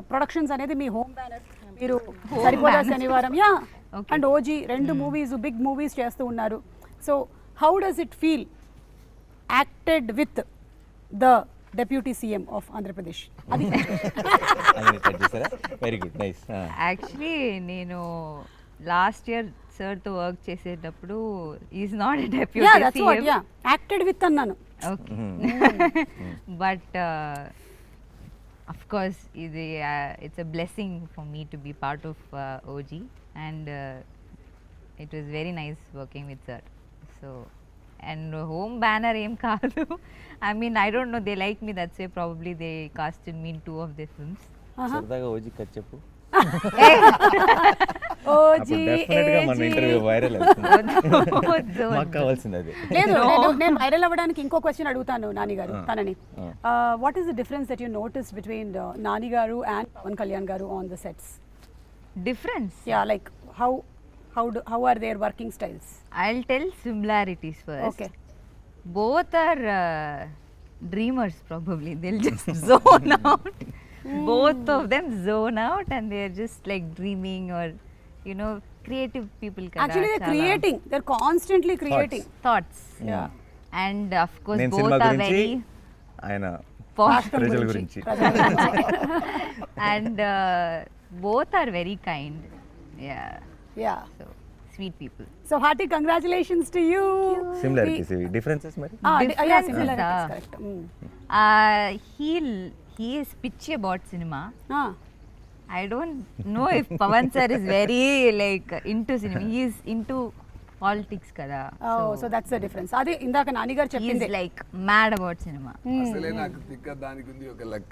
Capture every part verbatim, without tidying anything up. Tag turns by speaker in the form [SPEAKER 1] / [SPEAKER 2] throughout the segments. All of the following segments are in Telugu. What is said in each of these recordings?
[SPEAKER 1] ప్రొడక్షన్స్ అనేది మీ హోమ్ బ్యానర్, మీరు Saripodhaa Sanivaaram yeah and OG రెండు మూవీస్ బిగ్ మూవీస్ చేస్తూ ఉన్నారు. So how does it feel acted with the deputy CM of Andhra Pradesh? అది
[SPEAKER 2] వెరీ గుడ్ నైస్.
[SPEAKER 3] యాక్చువల్లీ నేను లాస్ట్ ఇయర్ సార్తో వర్క్ చేసేటప్పుడు is not deputy CM,
[SPEAKER 1] acted with అన్నాను.
[SPEAKER 3] ఓకే బట్ of course ఇది it's a blessing for me to be part of uh, O G and uh, it was very nice working with sir. So and home banner em kaadu, I mean I don't know, they like me, that's why probably they casted me in two of their films.
[SPEAKER 2] సరదాగా ఓజీ కట్ చెప్పు.
[SPEAKER 1] ఓజీ
[SPEAKER 2] డెఫినెట్గా మన ఇంటర్వ్యూ వైరల్ అవుతుంది, మాకు కావాల్సింది అది.
[SPEAKER 1] లేదు నేను వైరల్ అవ్వడానికి ఇంకో క్వశ్చన్ అడుగుతాను నాని గారు తనని. What is the difference that you notice between Nani garu and Pavan Kalyan garu on the sets?
[SPEAKER 3] Difference?
[SPEAKER 1] Yeah, like how how do how are their working styles?
[SPEAKER 3] I'll tell similarities first.
[SPEAKER 1] Okay.
[SPEAKER 3] Both are uh, dreamers probably, they'll just zone out. Both of them zone out and they're just like dreaming or you know creative people kada.
[SPEAKER 1] Actually they're creating, they're constantly creating
[SPEAKER 3] thoughts.
[SPEAKER 1] Yeah.
[SPEAKER 3] And of course
[SPEAKER 2] నేను
[SPEAKER 3] both
[SPEAKER 2] సినిమా
[SPEAKER 3] are
[SPEAKER 2] గురించి,
[SPEAKER 3] very
[SPEAKER 2] ఆయన
[SPEAKER 3] posh
[SPEAKER 2] ప్రజల గురించి.
[SPEAKER 3] and uh, both are very kind. Yeah.
[SPEAKER 1] Yeah.
[SPEAKER 3] So sweet people.
[SPEAKER 1] So hearty congratulations to you.
[SPEAKER 2] Similarities ఇవి, డిఫరెన్సెస్ మరి.
[SPEAKER 1] Ah, di- yeah,
[SPEAKER 3] Differences,
[SPEAKER 1] similarities,
[SPEAKER 3] ah.
[SPEAKER 1] correct. Mm.
[SPEAKER 3] Uh, he'll he is pitchy about cinema.
[SPEAKER 1] Ah.
[SPEAKER 3] I don't know if Pavan sir is very like into cinema. He is into politics kada.
[SPEAKER 1] Oh, so that's the difference. Adi indaka Nani garu
[SPEAKER 3] he is
[SPEAKER 1] cheppindi.
[SPEAKER 3] like mad about cinema.
[SPEAKER 4] అసలే నాకు తిక్క దానికి ఉంది ఒక లెక్క.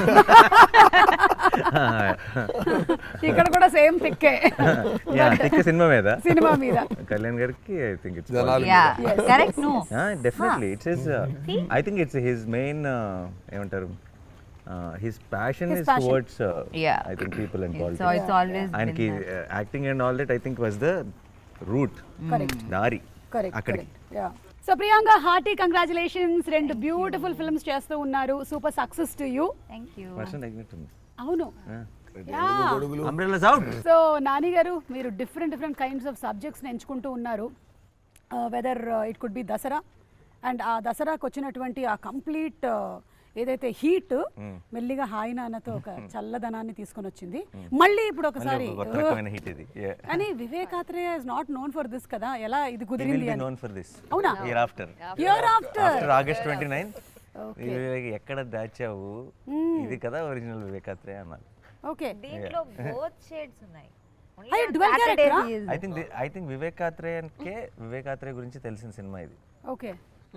[SPEAKER 1] ఇక్కడ కూడా సేమ్ తిక్కే
[SPEAKER 2] యా తిక్క సినిమా మీద,
[SPEAKER 1] సినిమా మీద.
[SPEAKER 2] కళ్యాణ్ గారికి ఐ థింక్ ఇట్స్
[SPEAKER 4] జనాలు
[SPEAKER 3] Yeah,
[SPEAKER 1] Yes,
[SPEAKER 3] correct.
[SPEAKER 1] yes.
[SPEAKER 3] No.
[SPEAKER 2] Definitely it's his, I think it's his main ఏమంటారు, his passion
[SPEAKER 1] His
[SPEAKER 2] is
[SPEAKER 1] passion.
[SPEAKER 2] Towards
[SPEAKER 3] Yeah.
[SPEAKER 2] I think people and
[SPEAKER 3] So
[SPEAKER 2] politics.
[SPEAKER 3] it's always
[SPEAKER 2] ఆయనకి
[SPEAKER 3] been that.
[SPEAKER 2] Acting and all that I think was the route,
[SPEAKER 1] Correct.
[SPEAKER 2] దారి
[SPEAKER 1] కరెక్ట్
[SPEAKER 2] అక్కడికి.
[SPEAKER 1] Correct yeah. So Priyanka hearty congratulations, రెండు బ్యూటిఫుల్ ఫిల్మ్స్ చేస్తూ ఉన్నారు, super success to you.
[SPEAKER 3] Thank you.
[SPEAKER 2] వర్షం తగ్గినట్టుంది.
[SPEAKER 1] అవును.
[SPEAKER 4] గొడుగులు
[SPEAKER 2] umbrellas out.
[SPEAKER 1] So Nani garu మీరు డిఫరెంట్ డిఫరెంట్ కైండ్స్ ఆఫ్ సబ్జెక్ట్స్ని ఎంచుకుంటూ ఉన్నారు. Whether it could be Dasara and ఆ దసరాకు వచ్చినటువంటి ఆ కంప్లీట్ ఏదైతే హీట్ మెల్లిగా హాయి నాన్నతో ఒక చల్లదనాన్ని తీసుకొని వచ్చింది. మళ్ళీ ఇప్పుడు ఒకసారి
[SPEAKER 2] కొత్త రకమైన హిట్ ఇది.
[SPEAKER 1] కానీ Vivek Athreya is not known for this కదా, ఎలా ఇది కుదిరింది అని.
[SPEAKER 2] నోన్ ఫర్ దిస్
[SPEAKER 1] అవునా?
[SPEAKER 2] Year after
[SPEAKER 1] year after
[SPEAKER 2] after August twenty nine ఎక్కడ దాచావు, ఇది కదా ఒరిజినల్ వివేకాత్రేయ అన్నారు.
[SPEAKER 1] ఓకే.
[SPEAKER 3] దీంట్లో both shades ఉన్నాయి. Only
[SPEAKER 1] అయ్యో,
[SPEAKER 3] on
[SPEAKER 1] dual
[SPEAKER 3] Saturdays
[SPEAKER 1] character
[SPEAKER 3] he is-
[SPEAKER 2] I think I think వివేకాత్రేయన్కే వివేకాత్రేయ గురించి తెలిసిన సినిమా ఇది.
[SPEAKER 1] ఓకే.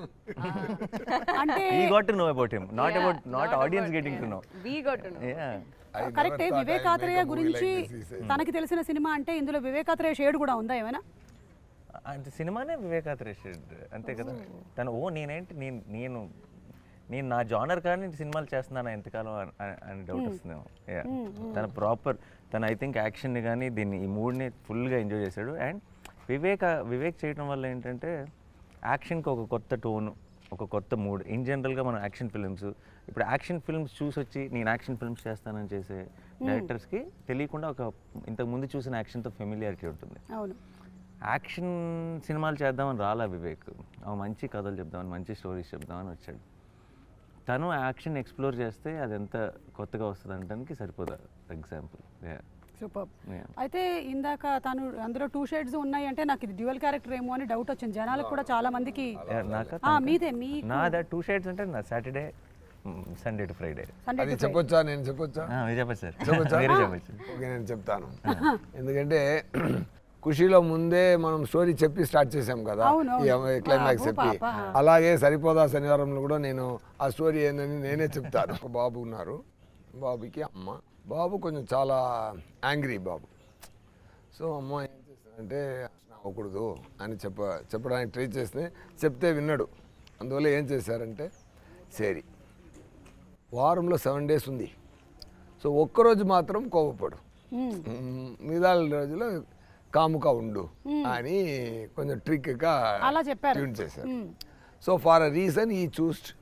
[SPEAKER 1] అంటే
[SPEAKER 2] ఈ got to know about him, not about not audience getting to know.
[SPEAKER 3] We got to know.
[SPEAKER 2] Yeah
[SPEAKER 1] కరెక్టే. వివేకాత్రేయ గురించి తనకి తెలిసిన సినిమా అంటే ఇందులో వివేకాత్రేయ షేడ్ కూడా ఉందా ఏమైనా?
[SPEAKER 2] అంటే సినిమానే వివేకాత్రేయ షెడ్ అంతే కదా. తను ఓ నేనేంటి నేను నేను నేను నా జానర్ కానీ సినిమాలు చేస్తున్నాను ఎంతకాలం అని- అని డౌట్ వస్తుందేమో. యా తన ప్రాపర్ తన ఐ థింక్ యాక్షన్ని కానీ దీన్ని ఈ మూడ్ని ఫుల్గా ఎంజాయ్ చేశాడు. అండ్ వివేక వివేక్ చేయడం వల్ల ఏంటంటే యాక్షన్కి ఒక కొత్త టోను, ఒక కొత్త మూడ్. ఇన్ జనరల్గా మనం యాక్షన్ ఫిల్మ్స్ ఇప్పుడు యాక్షన్ ఫిల్మ్స్ చూసి వచ్చి నేను యాక్షన్ ఫిల్మ్స్ చేస్తానని చేసే డైరెక్టర్స్కి తెలియకుండా ఒక ఇంతకు ముందు చూసిన యాక్షన్తో ఫెమిలియారిటీ ఉంటుంది.
[SPEAKER 1] అవును.
[SPEAKER 2] యాక్షన్ సినిమాలు చేద్దామని రాలా వివేక్, అవి మంచి కథలు చెప్దామని మంచి స్టోరీస్ చెప్దామని వచ్చాడు. తను యాక్షన్ ఎక్స్ప్లోర్ చేస్తే అది ఎంత కొత్తగా వస్తుంది అనడానికి సరిపోదా ఎగ్జాంపుల్.
[SPEAKER 1] సూపర్.
[SPEAKER 2] Yeah.
[SPEAKER 1] అయితే ఇందాక తను అందులో టూ షేడ్స్ ఉన్నాయి అంటే నాకు ఇది డ్యూయల్ క్యారెక్టర్ ఏమో అని డౌట్ వచ్చింది జనాలకు కూడా చాలా మందికి.
[SPEAKER 2] నాకా
[SPEAKER 1] ఆ, మీదే మీ
[SPEAKER 2] నా దా టూ షేడ్స్ అంటే నా Saturday Sunday to Friday.
[SPEAKER 1] Sunday
[SPEAKER 4] అది చెప్పొచ్చా, నేను చెప్పొచ్చా?
[SPEAKER 2] మీరు చెప్పచ్చు సార్,
[SPEAKER 4] చెప్పొచ్చా?
[SPEAKER 2] మీరే చెప్పచ్చు.
[SPEAKER 4] ఓకే, నేను చెప్తాను. ఎందుకంటే ఖుషీలో ముందే మనం స్టోరీ చెప్పి స్టార్ట్ చేసాం కదా,
[SPEAKER 1] అవును,
[SPEAKER 4] ఈ
[SPEAKER 1] అవును.
[SPEAKER 4] క్లైమాక్స్
[SPEAKER 1] బాబు,
[SPEAKER 4] చెప్పి.
[SPEAKER 1] పాప.
[SPEAKER 4] అలాగే సరిపోదా శనివారంలో కూడా నేను ఆ స్టోరీ ఏందని నేనే చెప్తాను. ఒక బాబు ఉన్నారు, బాబుకి అమ్మ. బాబు కొంచెం చాలా యాంగ్రీ బాబు. సో అమ్మ ఏం చేస్తానంటే అవ్వకూడదు అని చెప్ప చెప్పడానికి ట్రై చేస్తే చెప్తే విన్నాడు. అందువల్ల ఏం చేశారంటే సరే వారంలో సెవెన్ డేస్ ఉంది, సో ఒక్కరోజు మాత్రం కోపపడు, మిగతా రోజులో కాముగా ఉండు అని కొంచెం ట్రిక్గా
[SPEAKER 1] అలా చెప్పారు.
[SPEAKER 4] ట్యూన్ చేశారు. సో ఫార్ అ రీజన్ ఈ చూస్డ్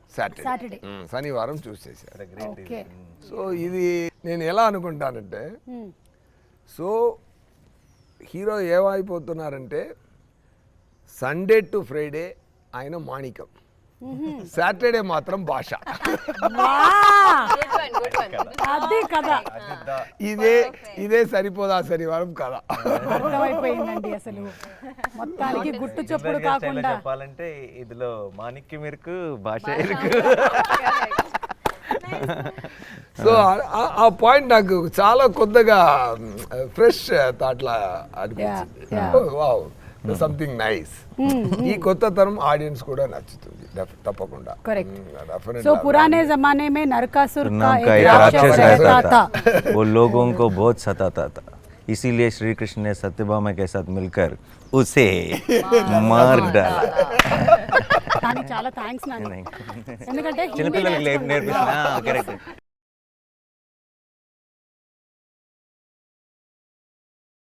[SPEAKER 4] సాటర్డే
[SPEAKER 1] సాటర్డే
[SPEAKER 4] శనివారం చూస్ చేశారు.
[SPEAKER 1] ఓకే.
[SPEAKER 4] సో ఇది నేను ఎలా అనుకుంటానంటే, సో హీరో ఏమైపోతున్నారంటే సండే టు ఫ్రైడే ఆయన మాణికం, సాటర్డే మాత్రం భాష.
[SPEAKER 1] అది కదా
[SPEAKER 4] ఇదే ఇదే సరిపోదా శనివారం కదా.
[SPEAKER 1] అర్థమైపోయిందండి. అసలు మొత్తానికి గుట్టు చప్పుడు కాకుండా
[SPEAKER 2] చెప్పాలంటే ఇదిలో మాణిక్యం ఇరుకు, భాష ఇరుకు.
[SPEAKER 4] సో ఆ పాయింట్ నాకు చాలా కొత్తగా ఫ్రెష్ థాట్లా అనిపించింది. Wow, something nice. ఈ కొత్త తరం ఆడియన్స్ కూడా నచ్చుతుంది డెఫ్- తప్పకుండా.
[SPEAKER 1] Correct.
[SPEAKER 4] Mm, definitely.
[SPEAKER 1] సో పురానే జమానే में नरकासुर का
[SPEAKER 2] नाम का
[SPEAKER 1] एक
[SPEAKER 2] एक
[SPEAKER 1] राक्षस
[SPEAKER 2] राक्षस
[SPEAKER 1] रहता
[SPEAKER 2] रहता
[SPEAKER 1] था.
[SPEAKER 2] था, वो लोगों को बहुत सताता था, इसीलिए श्री कृष्ण ने सत्यभामा के साथ मिलकर उसे मार डाला.
[SPEAKER 1] కానీ చాలా థ్యాంక్స్ నాన్న, ఎందుకంటే హిందీ
[SPEAKER 2] చిన్నపిల్లలకి
[SPEAKER 1] నేర్చుకున్నాను.
[SPEAKER 2] నేర్పిస్తున్నా కరెక్ట్.